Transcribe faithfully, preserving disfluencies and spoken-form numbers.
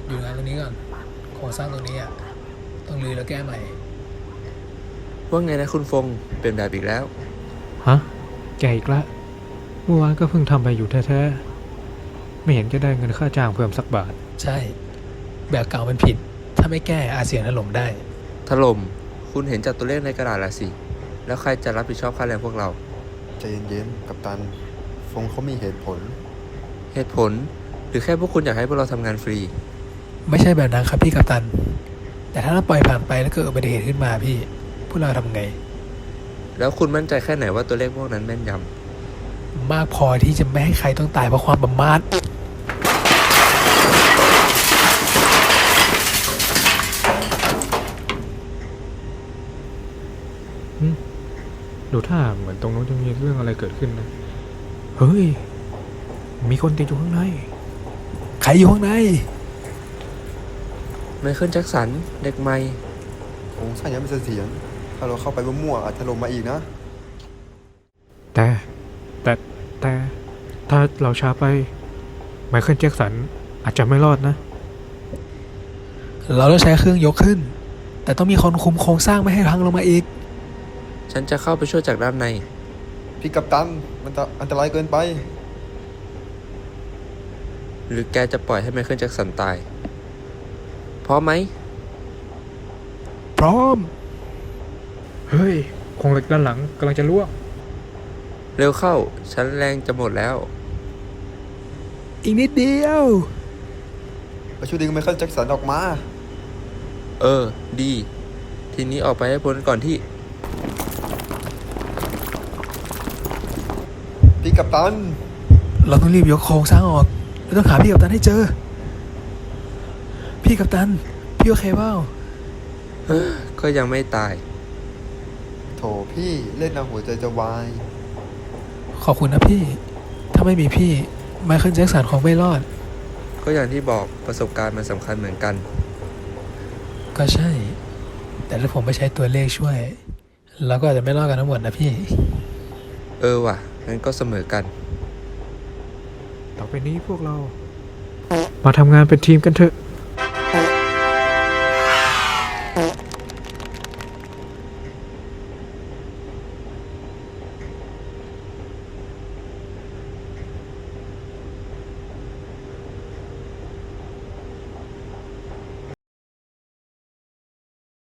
อยู่งานตรงนี้ก่อนโครงสร้างตรงนี้อ่ะต้องรื้อแล้วแก้ใหม่ว่าไงนะคุณฟงเปลี่ยนแบบอีกแล้วฮะแกอีกละเมื่อวานก็เพิ่งทำไปอยู่แท้ๆไม่เห็นจะได้เงินค่าจ้างเพิ่มสักบาทใช่แบบเก่ามันผิดถ้าไม่แก้อาจเสี่ยงถล่มได้ถล่มคุณเห็นจากตัวเลขในกระดาษละสิแล้วใครจะรับผิดชอบค่าแรงพวกเราใจเย็นๆกัปตันฟงเขามีเหตุผลเหตุผลหรือแค่พวกคุณอยากให้พวกเราทำงานฟรีไม่ใช่แบบนั้นครับพี่กัปตันแต่ถ้าเราปล่อยผ่านไปแล้วเกิดอุบัติเหตุขึ้นมาพี่พวกเราทำไงแล้วคุณมั่นใจแค่ไหนว่าตัวเลขพวกนั้นแม่นยมากพอที่จะไม่ให้ใครต้องตายเพราะความประมาทดูท่าเหมือนตรงนู้นจะมีเรื่องอะไรเกิดขึ้นนะเฮ้ยมีคนติดอยู่ข้างในใครอยู่ข้างในไมเคิลแจ็คสันเด็กใหม่โครงสร้างยังไม่เสถียรถ้าเราเข้าไปมั่วๆอาจถล่มมาอีกนะแต่แต่แต่ถ้าเราช้าไปไมเคิลแจ็คสันอาจจะไม่รอดนะเราต้องใช้เครื่องยกขึ้นแต่ต้องมีคนคุมโครงสร้างไม่ให้พังลงมาอีกฉันจะเข้าไปช่วยจากด้านในพี่กัปตันมันจะอันตรายเกินไปหรือแกจะปล่อยให้ไมเคิลแจ็คสันตายพร้อมไหมพร้อมเฮ้ยโครงเหล็กด้านหลังกำลังจะร่วงเร็วเข้าฉันแรงจะหมดแล้วอีกนิดเดียวไปช่วยดึงไมเคิลแจ็คสันออกมาเออดีทีนี้ออกไปให้พ้นก่อนที่พี่กัปตันเราต้องรีบยกโครงสร้างออกเราต้องหาพี่กัปตันให้เจอพี่กัปตันพี่โอเคเปล่าก็ยังไม่ตายโถพี่เล่นเอาหัวใจจะวายขอบคุณนะพี่ถ้าไม่มีพี่ไมเคิลแจ็คสันคงไม่รอดก็อย่างที่บอกประสบการณ์มันสำคัญเหมือนกันก็ใช่แต่ถ้าผมไม่ใช้ตัวเลขช่วยเราก็อาจจะไม่รอดกันทั้งหมดนะพี่เออว่ะงั้นก็เสมอกันต่อไปนี้พวกเรามาทำงานเป็นทีมกันเถอะ